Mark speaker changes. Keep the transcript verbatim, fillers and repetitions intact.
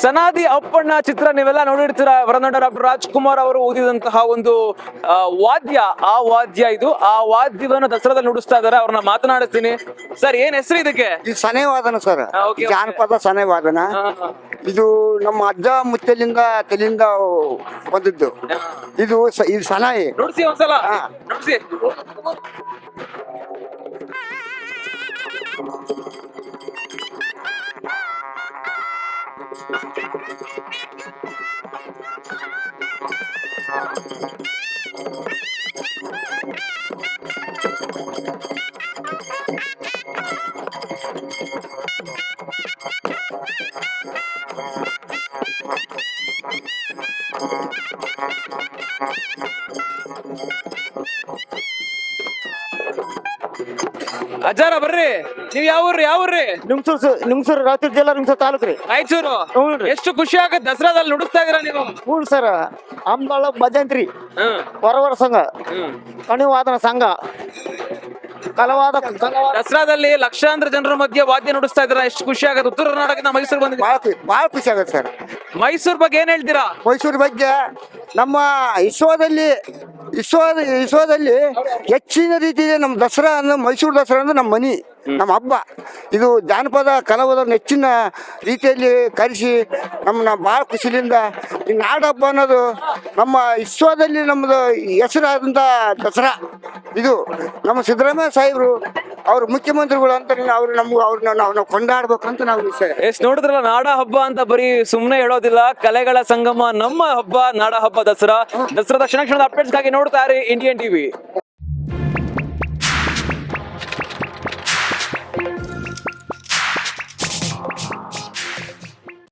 Speaker 1: ಸನಾದಿ ಅಪ್ಪಣ್ಣ ಚಿತ್ರ ನೀವೆಲ್ಲ ನೋಡಿರ್ತೀರ. ವರನಟ ಡಾಕ್ಟರ್ ರಾಜ್ಕುಮಾರ್ ಅವರು ಓದಿದಂತಹ ಒಂದು ಆ, ವಾದ್ಯ ಆ ವಾದ್ಯ ಇದು. ಆ ವಾದ್ಯವನ್ನು ದಸರಾದಲ್ಲಿ ನುಡಿಸ್ತಾ ಇದಾರೆ. ಅವ್ರನ್ನ ಮಾತನಾಡಿಸ್ತೀನಿ. ಸರ್, ಏನ್ ಹೆಸರು ಇದಕ್ಕೆ?
Speaker 2: ಇದು ಸನೆವಾದನ ಸರ್,
Speaker 1: ಹಾ, okay, okay.
Speaker 2: ಜಾನಪದ ಸನೆವಾದನ. ಇದು ನಮ್ಮ ಅಜ್ಜ ಮುತ್ತಲಿಂದ ತಲೆಯಿಂದ ಬಂದದ್ದು. ಇದು ಸ- ಇದು ಸನಾಯಿ.
Speaker 1: ನುಡಿಸಿ ಒಂದ್ಸಲ
Speaker 2: ಹಾ.
Speaker 1: ನುಡಿಸಿ. ಅಜ್ಜಾರ ಬರ್ರಿ. ನೀವ್ ಯಾವ ಊರ್ರಿ? ಯಾವ ಊರ್ರಿ?
Speaker 2: ನಿಮ್ಸೂರು ನಿಮ್ಸೂರು ರಾಯಚೂರು ಜಿಲ್ಲಾ ನಿಮ್ಸೂರು ತಾಲೂಕು ರೀ.
Speaker 1: ರಾಯಚೂರು.
Speaker 2: ಹ್ಞೂನ್ರಿ.
Speaker 1: ಎಷ್ಟು ಖುಷಿ ಆಗತ್ತೆ ದಸರಾದಲ್ಲಿ ನುಡಿಸ್ತಾ ಇದೀರಾ ನೀವು?
Speaker 2: ಹ್ಞೂ ಸರ್, ಅಂಬಾಳ ಭಜಂತ್ರಿ
Speaker 1: ಹ್ಮ್
Speaker 2: ಹೊರವರ ಸಂಘ,
Speaker 1: ಹ್ಮ್
Speaker 2: ಕಣಿವಾದನ ಸಂಘ, ಕಲವಾದ ಕಲವಾದ
Speaker 1: ದಸರಾದಲ್ಲಿ ಲಕ್ಷಾಂತರ ಜನರ ಮಧ್ಯೆ ವಾದ್ಯ ನುಡಿಸ್ತಾ ಇದ್ದೀರಾ. ಎಷ್ಟು ಖುಷಿ ಆಗತ್ತೆ. ಉತ್ತರ ಕರ್ನಾಟಕದಿಂದ ಮೈಸೂರು ಬಂದಿದ್ದೀರಾ.
Speaker 2: ಭಾಳ ಖುಷಿ ಭಾಳ ಖುಷಿ ಆಗುತ್ತೆ ಸರ್.
Speaker 1: ಮೈಸೂರ್ ಬಗ್ಗೆ ಏನ್ ಹೇಳ್ತೀರಾ?
Speaker 2: ಮೈಸೂರು ಬಗ್ಗೆ ನಮ್ಮ ವಿಶ್ವದಲ್ಲಿ ವಿಶ್ವದ ವಿಶ್ವದಲ್ಲಿ ಹೆಚ್ಚಿನ ರೀತಿಯಲ್ಲಿ ನಮ್ಮ ದಸರಾ ಅಂದ್ರೆ ಮೈಸೂರು ದಸರಾ ಅಂದ್ರೆ ನಮ್ಮ ಮನಿ, ನಮ್ಮ ಹಬ್ಬ. ಇದು ಜಾನಪದ ಕಲಾವಿದರನ್ನ ಹೆಚ್ಚಿನ ರೀತಿಯಲ್ಲಿ ಕರೆಸಿ ನಮ್ಮನ್ನ ಭಾಳ ಖುಷಿಯಿಂದ ಈ ನಾಡ ಹಬ್ಬ ಅನ್ನೋದು ನಮ್ಮ ವಿಶ್ವದಲ್ಲಿ ನಮ್ಮದು ಹೆಸರಾದಂಥ ದಸರಾ. ಇದು ನಮ್ಮ ಸಿದ್ದರಾಮಯ್ಯ ಸಾಹೇಬರು ಅವ್ರು ಮುಖ್ಯಮಂತ್ರಿಗಳು ಅಂತ ಅವ್ರು ನಮ್ಗೆ ಅವ್ರನ್ನ ನಾವು ನಾವು ಕೊಂಡಾಡ್ಬೇಕಂತ ನಾವು ವಿಷಯ.
Speaker 1: ಎಷ್ಟ್ ನೋಡಿದ್ರಲ್ಲ, ನಾಡ ಹಬ್ಬ ಅಂತ ಬರೀ ಸುಮ್ನೆ ಹೇಳೋದಿಲ್ಲ, ಕಲೆಗಳ ಸಂಗಮ ನಮ್ಮ ಹಬ್ಬ ನಾಡ ಹಬ್ಬ ದಸರಾ. ದಸರಾದ ಕ್ಷಣ ಕ್ಷಣದ ಅಪ್ಡೇಟ್ಸ್ಗಾಗಿ ನೋಡ್ತಾ ಇರಿ ಇಂಡಿಯನ್ ಟಿವಿ.